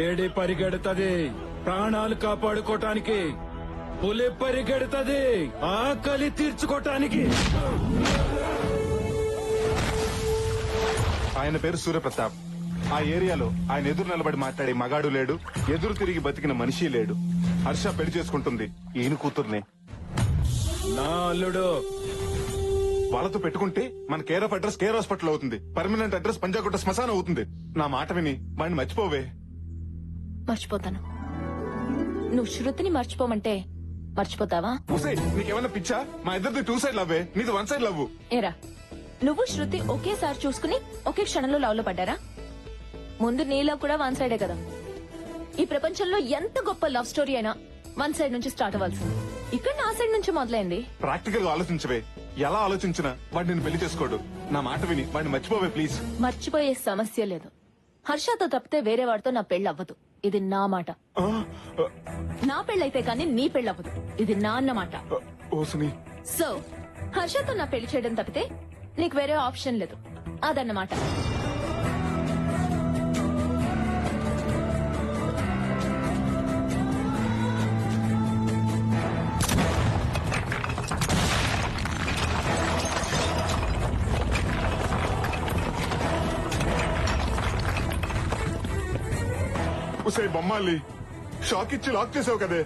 Lady పరిగెడుతుంది ప్రాణాలు కాపాడుకోటానికి, పులి పరిగెడుతుంది ఆకలి తీర్చుకోటానికి. ఆయన పేరు సూర్యప్రతాప్. ఆ ఏరియాలో ఆయన ఎదురు నిలబడి మాట్లాడే మగాడు లేడు, ఎదురు తిరిగి బతికిన మనిషి లేడు. హర్ష పెళ్లి చేసుకుంటుంది ఈయన కూతుర్నే. నా అల్లుడు వాళ్ళతో పెట్టుకుంటే మన care of address care hospital అవుతుంది, పర్మనెంట్ అడ్రస్ పంజాగుట్ట శ్మశానం అవుతుంది. నా మాట విని వాడిని మర్చిపోవే. మర్చిపోతాను. నువ్వు శృతిని మర్చిపోమంటే మర్చిపోతావా? నీకేమన్నా పిచ్చా? మా ఇద్దరిది 2 సైడ్ లవ్వే, నీది 1 సైడ్ లవ్. ఏరా, నువ్వు శృతి ఒకేసారి చూసుకుని ఒకే క్షణంలో లవ్ లో పడ్డారా? ముందు నీలో కూడా 1 సైడే కదా. ఈ ప్రపంచంలో ఎంత గొప్ప లవ్ స్టోరీ అయినా 1 సైడ్ నుంచి స్టార్ట్ అవ్వాల్సింది. ఇక్కడ నా సైడ్ నుంచి మొదలైంది. ప్రాక్టికల్ గా ఆలోచించవే. ఎలా ఆలోచించినా వాడు నిన్ను పెళ్లి చేసుకోడు. నా మాట విని వాడిని మర్చిపోవే ప్లీజ్. మర్చిపోయే సమస్య లేదు. హర్షతో తప్పితే వేరే వాడితో నా పెళ్లి అవ్వదు. ఇది నా మాట. నా పెళ్ళైతే కానీ నీ పెళ్లి అవ్వదు. ఇది నా అన్నమాట. సో హర్షతో నా పెళ్లి చేయడం తప్పితే నీకు వేరే ఆప్షన్ లేదు. అదన్నమాట. ఉసే బొమ్మాలి, షాక్ ఇచ్చి లాక్ చేసావు కదే.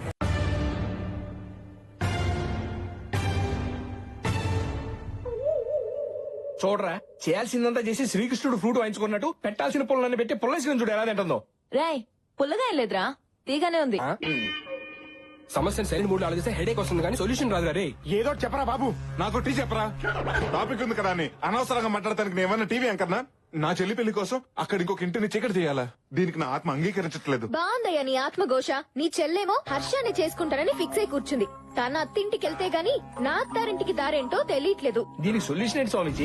చూడరా, చేయాల్సిందంతా చేసి శ్రీకృష్ణుడు ఫ్రూట్ వాయించుకున్నట్టు పెట్టాల్సిన పుల్లన్ని పెట్టి పుల్లసిన చూడు ఎలా తింటుందో. రాయ్, పుల్లగా ఏం లేదురా, తీగానే ఉంది. సమస్యను సరైన మూడు ఆలోచిస్తే హెడేక్ వస్తుంది కానీ సొల్యూషన్ రాదు రే. ఏదో చెప్పరా బాబు, నాకు టీ చెప్పరా. టాపిక్ ఉంది కదా అని అనవసరంగా మాట్లాడటానికి నేను ఏమన్నా టీవీ అంకర్నా? నా చెల్లి పెళ్లి కోసం అక్కడ ఇంకొక ఇంటిని చీకటి చేయాలా? దీనికి నా ఆత్మ అంగీకరించట్లేదు. బాగుందయ్యా నీ ఆత్మఘోష. నీ చెల్లేమో హర్షాన్ని చేసుకుంటానని ఫిక్స్ అయి కూర్చుంది. తన అత్తింటికి వెళ్తే గాని నా అత్తారింటికి దారేంటో తెలియట్లేదు. దీనికి సొల్యూషన్ ఏంటి స్వామిజీ?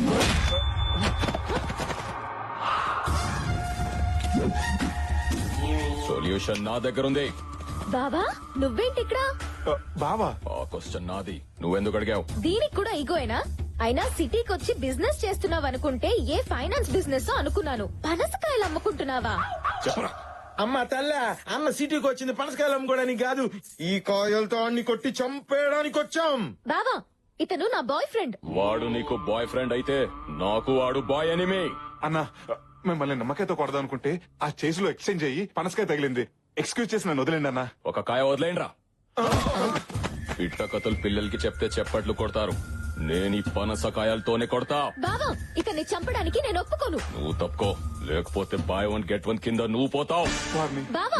సొల్యూషన్ నా దగ్గర ఉంది. బావా నువ్వేంటి ఇక్కడ? బావా, ఆ క్వశ్చన్ నాది, నువ్వెందుకు అడిగావు? దీనికి కూడా ఈగోయేనా? అయినా సిటీకి వచ్చి బిజినెస్ చేస్తున్నావు అనుకుంటే ఏ ఫైనాన్స్ బిజినెస్ అనుకున్నాను. పనసకాయలు అమ్ముకుంటున్నావా? చెప్పరా. అమ్మ తల్ల, అన్న సిటీకి వచ్చింది పనసకాయలు అమ్ముకోవడానికి కాదు, ఈ కాయలతో అన్ని కొట్టి చంపేయడానికి వచ్చాం. బావా, ఇతను నా బాయ్ ఫ్రెండ్. వాడు నీకు బాయ్ ఫ్రెండ్ అయితే నాకు వాడు బాయ్ ఎనిమి. అన్నా మిమ్మల్ని నమ్మకాయతో కొడదాం అనుకుంటే ఆ చేసిలో ఎక్స్చేంజ్ అయ్యి పనసకాయ తగిలింది. ఎక్స్క్యూజ్ చేసి నన్ను వదిలేండి అన్నా. ఒక కాయ వదిలేండ్రా. పిట్ట కథలు పిల్లలకి చెప్తే చెప్పట్లు కొడతారు. నేను ఈ పనసకాయలతోనే కొడతా. బావా, ఇతన్ని చంపడానికి నేను ఒప్పుకోను. నువ్వు తప్పుకో, లేకపోతే బై 1 గెట్ 1 కింద నువ్వు పోతావు. బావా,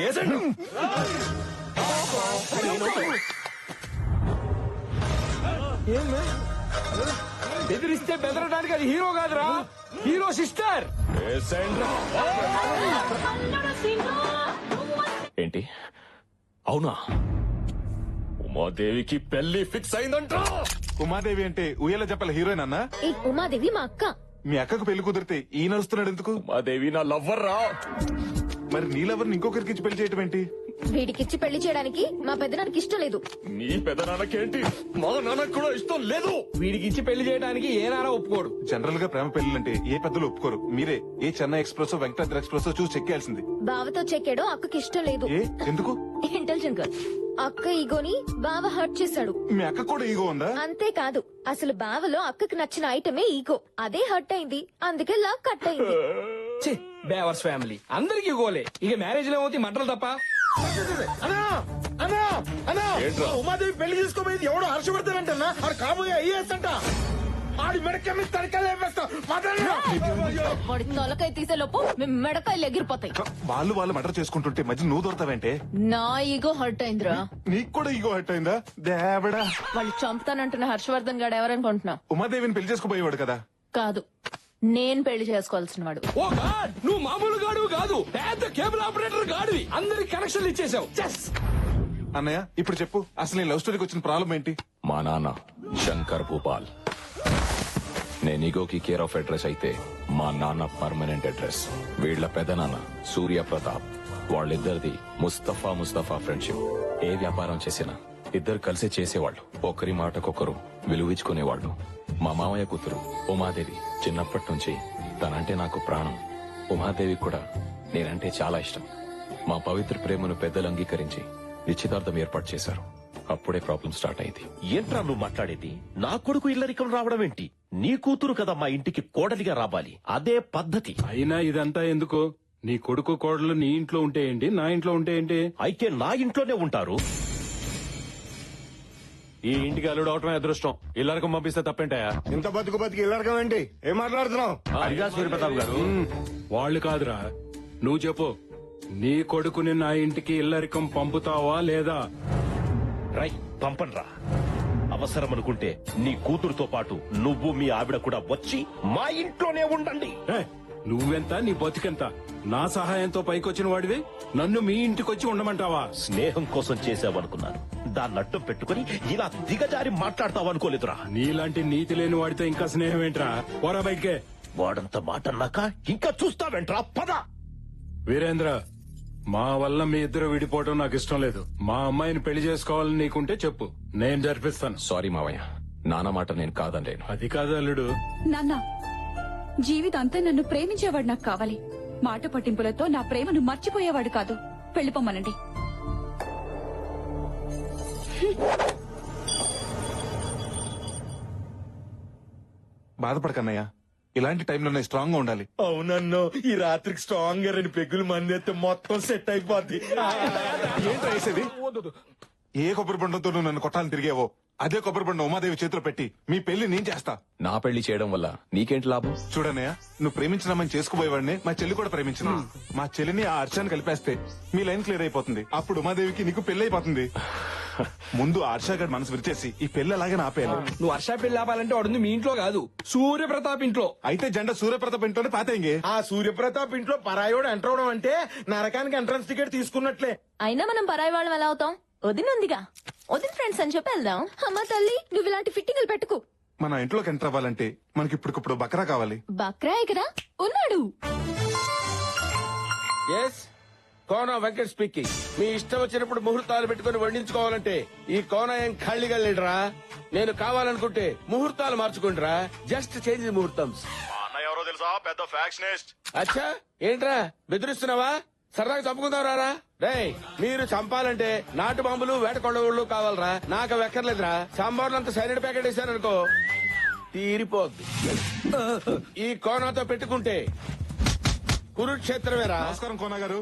బెదిరిస్తే బెదరడానికి అది హీరో కాదురా, హీరో సిస్టర్. ఏంటి అవునా? ఉమాదేవికి పెళ్లి ఫిక్స్ అయిందంట. ఉమాదేవి అంటే ఉయ్యాల చెప్పల హీరోయిన్ అన్నా? ఈ ఉమాదేవి మా అక్క. మీ అక్కకు పెళ్లి కుదిరితే ఈ నడుస్తున్నాడు ఎందుకు? ఉమాదేవి నా లవ్వర్ రా. మరి నీ లవర్ని ఇంకొకరికి ఇచ్చి పెళ్లి చేయటం ఏంటి? వీడికిచ్చి పెళ్లి చేయడానికి మా పెద్దనానికి ఇష్టం లేదు. నీ పెదనాన్నకేంటి? మా నాన్నకు కూడా ఇష్టం లేదు. వీడికి ఇచ్చి పెళ్లి చేయడానికి ఏ నారా ఒప్పుకోడు. జనరల్ గా ప్రేమ పెళ్లిలంటే ఏ పెద్దలు ఒప్పుకోరు. మీరే ఏ చెన్నై ఎక్స్ప్రెస్ వెంకటాద్రి ఎక్స్ప్రెస్ చూసి చెక్కేయాల్సింది. బావతో చెక్కాడో అక్కకి ఇష్టం లేదు. ఏ ఎందుకు? Intelligent girl. అక్క ఈగోని బావ హర్ట్ చేశాడు. మీ అక్క కూడా ఈగో ఉందా? అంతేకాదు, అసలు బావలో అక్కకి నచ్చిన ఐటమే ఈగో. అదే హర్ట్ అయింది, అందుకే లవ్ కట్ అయింది. బేవర్స్ ఫ్యామిలీ అందరికి గోలే. ఇక మ్యారేజ్ లో ఏమవుతాయి మంటలు తప్ప. అన్నా అన్నా అన్నా, ఏంట్రా? ఉమాదేవి పెళ్లి చేసుకోబోయేది ఎవడో హర్షవర్ధన్ ఆడు కాబోయే ఐఏఎస్ అంట. ఆడి మెడకెమ్మి తడికలు వేస్తా. వాడి తొలకాయ తీసే లోపు మీ మెడకాయలు ఎగిరిపోతాయి. వాళ్ళు మర్డర్ చేసుకుంటుంటే మధ్య నువ్వు దొరతావంటే? నా ఈగో హర్ట్ అయిందిరా. నీకు కూడా ఈగో హర్ట్ అయిందా? దేవడా, వాళ్ళు చంపుతానంటున్న హర్షవర్ధన్ గాడు ఎవరనుకుంటున్నా? ఉమాదేవిని పెళ్లి చేసుకోబోయేవాడు కదా? కాదు, నేను పెళ్లి చేసుకోవాల్సిన వాడు. ఓ గాడ్, నువ్వు మామూలు గాడు కాదు, పెద్ద కేబుల్ ఆపరేటర్ గాడివి. అందరికి కనెక్షన్లు ఇచ్చేసావు. అన్నయ్య ఇప్పుడు చెప్పు, అసలు నీ లవ్ స్టోరీకి వచ్చిన ప్రాబ్లం ఏంటి? మా నాన్న శంకర్ భూపాల్. నేను ఈగోకి కేర్ ఆఫ్ అడ్రస్ అయితే మా నాన్న పర్మనెంట్ అడ్రస్. వీళ్ల పెదనాన్న సూర్య ప్రతాప్. వాళ్ళిద్దరిది ముస్తఫా ఫ్రెండ్షిప్. ఏ వ్యాపారం చేసినా ఇద్దరు కలిసి చేసేవాళ్ళు. ఒకరి మాటకొకరు విలువించుకునేవాళ్ళు. మా మామయ్య కూతురు ఉమాదేవి చిన్నప్పటి నుంచి తనంటే నాకు ప్రాణం. ఉమాదేవి కూడా నేనంటే చాలా ఇష్టం. మా పవిత్ర ప్రేమను పెద్దలు అంగీకరించి నిశ్చితార్థం ఏర్పాటు చేశారు. అప్పుడే ప్రాబ్లం స్టార్ట్ అయింది. ఏంట్రా నువ్వు మాట్లాడేది? నా కొడుకు ఇల్లరికం రావడం ఏంటి? నీ కూతురు కదా మా ఇంటికి కోడలిగా రావాలి, అదే పద్ధతి. అయినా ఇదంతా ఎందుకు? నీ కొడుకు కోడలు నీ ఇంట్లో ఉంటే ఏంటి, నా ఇంట్లో ఉంటే ఏంటి? అయితే నా ఇంట్లోనే ఉంటారు. ఈ ఇంటికి అల్లుడు అవటమే అదృష్టం. ఇల్లరికం పంపిస్తే తప్పేంటాయా? ఇంత బతికి ఇల్లరకం ఏంటి? ఏం మాట్లాడుతున్నావు? అదిగా సూర్యప్రతాప్ గారు. వాళ్ళు కాదురా, నువ్వు చెప్పు. నీ కొడుకుని నా ఇంటికి ఇల్లరికం పంపుతావా లేదా? రై పంపన్రా. అవసరం అనుకుంటే నీ కూతురుతో పాటు నువ్వు మీ ఆవిడ కూడా వచ్చి మా ఇంట్లోనే ఉండండి. ఏయ్, నువ్వెంత, నీ బతికెంత? నా సహాయంతో పైకొచ్చిన వాడివి నన్ను మీ ఇంటికొచ్చి ఉండమంటావా? స్నేహం కోసం చేసావనుకున్నాను, దాన్ని అడ్డం పెట్టుకుని ఇలా దిగజారి మాట్లాడతావనుకోలేదురా. నీలాంటి నీతి లేని వాడితో ఇంకా స్నేహం ఏంట్రా? పోరా బయటికే. వాడంత మాట అన్నాక ఇంకా చూస్తావేంట్రా? పద. వీరేంద్ర, మా వల్ల మీ ఇద్దరు విడిపోవడం నాకు ఇష్టం లేదు. మా అమ్మాయిని పెళ్లి చేసుకోవాలని నీకుంటే చెప్పు, నేను జరిపిస్తాను. సారీ మావయ్య, నాన్న మాట నేను కాదనలేను. అది కాదు అల్లుడు. నాన్న, జీవితాంతా నన్ను ప్రేమించేవాడు నాకు కావాలి. మాట పట్టింపులతో నా ప్రేమను మర్చిపోయేవాడు కాదు. వెళ్ళిపోమ్మనండి. బాధపడకన్నయ్య, ఇలాంటి టైంలోనే స్ట్రాంగ్ గా ఉండాలి. అవునన్నో, ఈ రాత్రికి స్ట్రాంగ్ గా 2 పెగ్గులు మందేస్తే మొత్తం సెట్ అయిపోద్ది. ఏంటి వేసేది? ఏ కొబ్బరి బండంతో నువ్వు నన్ను కొట్టాలని తిరిగేవో అదే కొబ్బరి బండం ఉమాదేవి చేతిలో పెట్టి మీ పెళ్లి నేను చేస్తా. నా పెళ్లి చేయడం వల్ల నీకేంటి లాభం? చూడన్నయ్య, నువ్వు ప్రేమించిన అమ్మని చేసుకుపోయేవాడిని మా చెల్లి కూడా ప్రేమించిన. మా చెల్లిని ఆ హర్షాన్ని కలిపేస్తే మీ లైన్ క్లియర్ అయిపోతుంది. అప్పుడు ఉమాదేవికి నీకు పెళ్లి అయిపోతుంది. ముందు ఆ హర్ష గారి మనసు విరిచేసి ఈ పెళ్లి అలాగే ఆపేయాలి. నువ్వు హర్ష పెళ్లి ఆపాలంటే వాడుంది మీ ఇంట్లో కాదు, సూర్యప్రతాప్ ఇంట్లో. అయితే జెండా సూర్యప్రతాప్ ఇంట్లోనే పాతేంగే. ఆ సూర్యప్రతాప్ ఇంట్లో పరాయోడు ఎంటర్ అవడం అంటే నరకానికి ఎంట్రన్స్ టికెట్ తీసుకున్నట్లే. అయినా మనం పరాయి వాళ్ళం ఎలా అవుతాం? వదినుందిగా, వదిన ఫ్రెండ్స్ అని చెప్పి వెళ్దాం. అమ్మ తల్లి, నువ్వు ఇలాంటి ఫిట్టింగులు పెట్టుకు. మన ఇంట్లోకి ఎంటర్ అవ్వాలంటే మనకి ఇప్పటికప్పుడు బకరా కావాలి. బక్రాయ్ కదా ఉన్నాడు. కోన వెంకట్ స్పీకింగ్. మీ ఇష్టం వచ్చినప్పుడు ముహూర్తాలు పెట్టుకుని వండించుకోవాలంటే ఈ కోన ఏం ఖాళీగా లేడురా. నేను కావాలనుకుంటే ముహూర్తాలు మార్చుకుంటారా. జస్ట్ చేంజ్ ముహూర్తం. ఎవరో తెలుసా? పెద్ద ఫ్యాక్షనిస్ట్. అచ్చా, ఏంట్రా బెదిరిస్తున్నావా? సరదాగా చంపుకుందాం రారా. రేయ్, మీరు చంపాలంటే నాటు బాంబులు వేట కొండవుళ్ళు కావాలరా. నాకు అవి ఎక్కర్లేదురా. సాంబార్లంతా సైనిడ్ ప్యాకెట్ వేసారనుకో తీరిపోద్ది. ఈ కోనాతో పెట్టుకుంటే కురుక్షేత్రమేరా. నమస్కారం కోన గారు.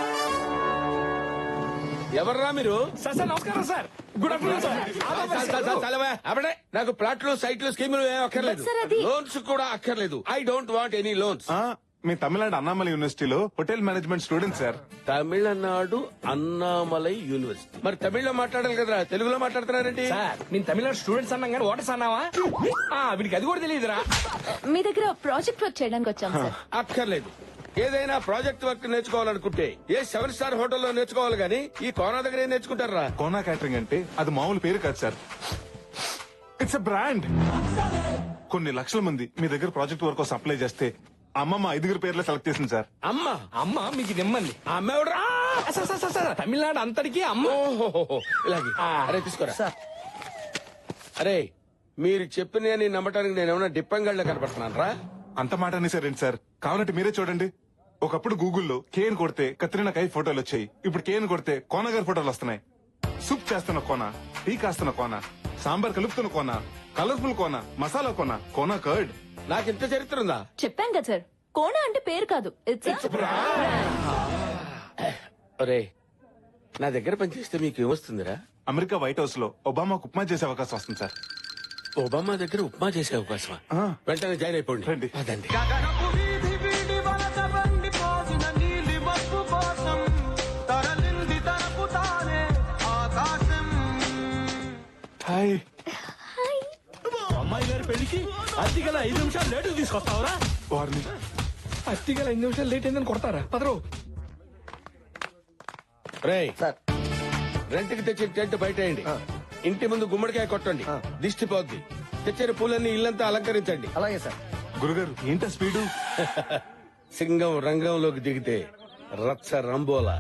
ఎవర్రా మీరు? సార్ నమస్కారం సార్. Good afternoon sir. అప్పుడే నాకు ప్లాట్లు, సైట్లు, స్కీములు ఏం అక్కర్లేదు. సార్, అది- లోన్స్ కూడా అక్కర్లేదు. I don't want any loans. మీ తమిళనాడు అన్నామలై యూనివర్సిటీలో hotel management student sir. Tamil Nadu Annamalai university. మరి తమిళ్లో మాట్లాడాలి కదరా, తెలుగులో మాట్లాడుతున్నారేంటి? సార్, నేను తమిళనాడు స్టూడెంట్స్ అన్నాం కానీ ఓటర్స్ అన్నావా? వీడికి అది కూడా తెలియదురా. మీ దగ్గర ప్రాజెక్ట్ వర్క్ చేయడానికి వచ్చాం సార్. అక్కర్లేదు. ఏదైనా ప్రాజెక్ట్ వర్క్ నేర్చుకోవాలనుకుంటే ఏ 7 స్టార్ హోటల్లో నేర్చుకోవాలి గానీ ఈ కోనా దగ్గర ఏం నేర్చుకుంటారా? కోనా క్యాటరింగ్ అంటే అది మామూలు పేరు కాదు సార్. It's a brand. కొన్ని లక్షల మంది మీ దగ్గర ప్రాజెక్ట్ వర్క్ కోసం అప్లై చేస్తే అమ్మమ్మ 5 పేర్లే సెలెక్ట్ చేసింది సార్. అమ్మ మీకు నిమ్మంది. ఆ అమ్మ ఎవడురా? సార్, తమిళనాడు అంతటికి అమ్మ. ఓహోహోహో, ఇలాగే. అరే తీసుకోరా. అరే, మీరు చెప్పిన నమ్మటానికి నేను ఏమైనా డిప్పంగళ్ళ కనపడుతున్నాను రా. అంత మాట అనేసారేంటి సార్? కావాలంటే మీరే చూడండి. ఒకప్పుడు గూగుల్లో కేన్ కొడితే కత్రినా కైఫ్ ఫోటోలు వచ్చాయి. ఇప్పుడు కేన్ కొడితే కోన గారి ఫోటోలు వస్తున్నాయి. సూప్ చేస్తున్న కోన, టీ కాస్తున్న కోన, సాంబార్ కలుపుతున్న కోన, కలర్ఫుల్ కోన, మసాలా కోన, కోన కర్డ్. నాకు ఇంత చరిత్ర ఉందా? చెప్పాం కదా సార్, కోణ అంటే పేరు కాదు, ఇట్స్ ఒరే, నా దగ్గర పనిచేస్తే మీకు ఏమొస్తుందిరా? అమెరికా వైట్ హౌస్ లో ఒబామాకు ఉప్మా చేసే అవకాశం వస్తుంది సార్. ఒబామా దగ్గర ఉప్మా చేసే అవకాశమా? వెంటనే జాయిన్ అయిపోండి. రండి. అదండి. హాయ్. అమ్మాయి గారి పెళ్లికి అతిగల 5 నిమిషాలు లేటు తీసుకొస్తావరా? వారిని అత్తిగా 5 నిమిషాలు లేట్ అయిందని కొడతారా? పదరు. రేయ్, రెంట్కి తెచ్చిన టెంట్ బయటేయండి. ఇంటి ముందు గుమ్మడికాయ కొట్టండి, దిష్టి పోద్ది. తెచ్చిన పూలన్నీ ఇల్లంతా అలంకరించండి. అలాగే సార్. గురుగారు ఏంటా స్పీడు? సింగం రంగంలోకి దిగితే రచ్చ రంబోలా.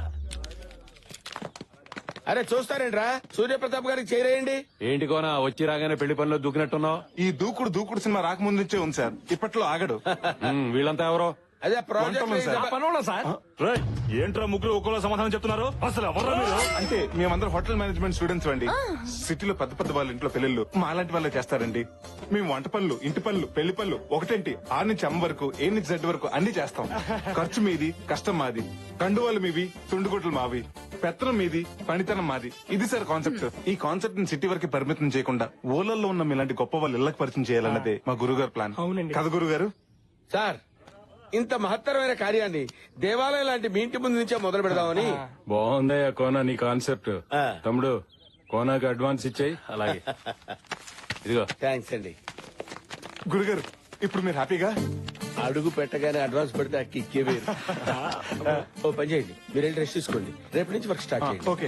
అరే చూస్తారేంట్రా, సూర్యప్రతాప్ గారికి చేరేయండి. ఏంటి కోనా వచ్చి రాగానే పెళ్లి పనిలో దూకినట్టున్నావు? ఈ దూకుడు సినిమా రాకముందు నుంచే ఉంది సార్. ఇప్పట్లో ఆగడు. వీళ్ళంతా ఎవరో? అదే వంటలు సార్. ప్రాజెక్ట్ పనోళ్ళ సార్ రేయ్, ఏంట్రా ముగ్గురు ఒక్కోలా సమాధానం చెప్తున్నారు? అసలు ఎవర్రా మీరు? అంటే మేమందరం హోటల్ మేనేజ్మెంట్ స్టూడెంట్స్ అండి. సిటీలో పెద్ద పెద్ద వాళ్ళ ఇంట్లో పెళ్ళిళ్ళు మా లాంటి వాళ్ళే చేస్తారండి. మేము వంట పనులు, ఇంటి పనులు, పెళ్లి పనులు ఒకటేంటి 6 నుంచి M వరకు, A నుంచి Z వరకు అన్ని చేస్తాం. ఖర్చు మీది, కష్టం మాది. కండువాలు మీవి, తుండుగుట్లు మావి. పెత్తనం మీది, పనితనం మాది. ఇది సార్ కాన్సెప్ట్. ఈ కాన్సెప్ట్ ని సిటీ వరకు పరిమితం చేయకుండా ఊళ్ళల్లో ఉన్న మీలాంటి గొప్ప వాళ్ళు ఇళ్లకు పరిచయం చేయాలన్నదే మా గురుగారు ప్లాన్. అవునండి. కదా గురుగారు? సార్ ఇంత మహత్తరమైన కార్యాన్ని దేవాలయం లాంటి మీ ఇంటి ముందు నుంచే మొదలు పెడదామని. బాగుందయ్యా కోనా నీ కాన్సెప్ట్. ఆ. తమ్ముడు కోనాకి అడ్వాన్స్ ఇచ్చేయి. అలాగే. ఇదిగో థ్యాంక్స్ అండి. గురుగారు ఇప్పుడు మీరు హ్యాపీగా? అడుగు పెట్టగానే అడ్వాన్స్ పెడితే ఆ కిక్కే వేరు. ఓ పని చేయండి, మీరు వెళ్ళి రెస్ట్ తీసుకోండి, రేపు నుంచి వర్క్ స్టార్ట్ చేయండి. ఓకే.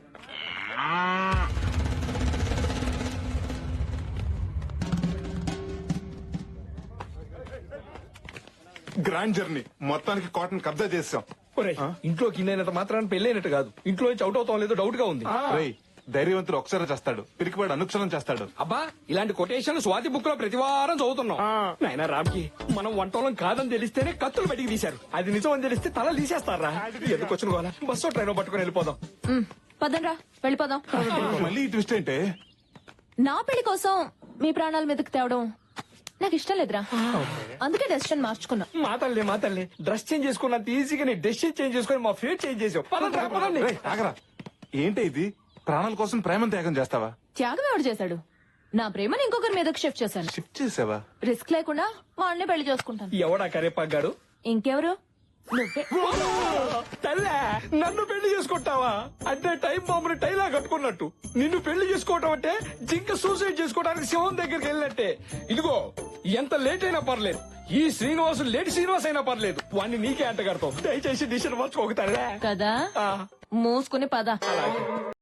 గ్రాండ్ జర్నీ మొత్తానికి కాటన్ కబ్జా చేసాం. ఒరేయ్, ఇంట్లోకి ఇన్నైనంత మాత్రాన్ని పెళ్ళైనట్టు కాదు, ఇంట్లో నుంచి అవుట్ అవుతాం లేదో డౌట్ గా ఉంది. రేయ్, ధైర్యవంతుడు ఒకసారి చేస్తాడు, పిరికివాడు అనుక్షణం చేస్తాడు. అబ్బా, ఇలాంటి కొటేషన్ స్వాతి బుక్ లో ప్రతి వారం చదువుతున్నాం. నాయనా రామ్కి మనం వంటోళం కాదని తెలిస్తేనే కత్తులు బయటికి తీశారు, అది నిజం అని తెలిస్తే తల తీసేస్తారా? ఎందుకు వచ్చిన గోల? బస్సు ట్రైన్ పట్టుకుని వెళ్ళిపోదాం. పదండ్రా వెళ్ళిపోదాం. మళ్ళీ ఈ ట్విస్ట్ ఏంటే? నా పెళ్లి కోసం మీ ప్రాణాల మీదకి తేవడం నాకు ఇష్టం లేదురా. అందుకే డెసిషన్ మార్చుకున్నా. మా తల్లి డ్రెస్ చేంజ్ చేసుకున్నంత ఈజీగా నీ డెసిషన్ చేంజ్ చేసుకుని మా ఫేట్ చేంజ్ చేసావు. పదండి రా, పదండి. రేయ్, ఆగరా. ఏంటి ఇది? ప్రాణాల కోసం ప్రేమ త్యాగం చేస్తావా? త్యాగం ఎవడు చేశాడు? నా ప్రేమను ఇంకొకరి మీదకి షిఫ్ట్ చేశాను. షిఫ్ట్ చేసావా? రిస్క్ లేకుండా వాడిని పెళ్లి చేసుకుంటాను. ఎవడా కరేపాగాడు? ఇంకెవరు? నువ్వే. తల్లే, నన్ను పెళ్లి చేసుకుంటావా? అంటే టైం బాంబుని టైలా కట్టుకున్నట్టు నిన్ను పెళ్లి చేసుకోవటం అంటే జింక సూసైడ్ చేసుకోవడానికి సింహం దగ్గరికి వెళ్ళినట్టే. ఇదిగో, ఎంత లేట్ అయినా పర్లేదు, ఈ శ్రీనివాసు లేట్ శ్రీనివాస్ అయినా పర్లేదు, వాడిని నీకే అంట కడతావు. దయచేసి డిసిషన్ మార్చుకోగతారా కదా మూసుకుని పద.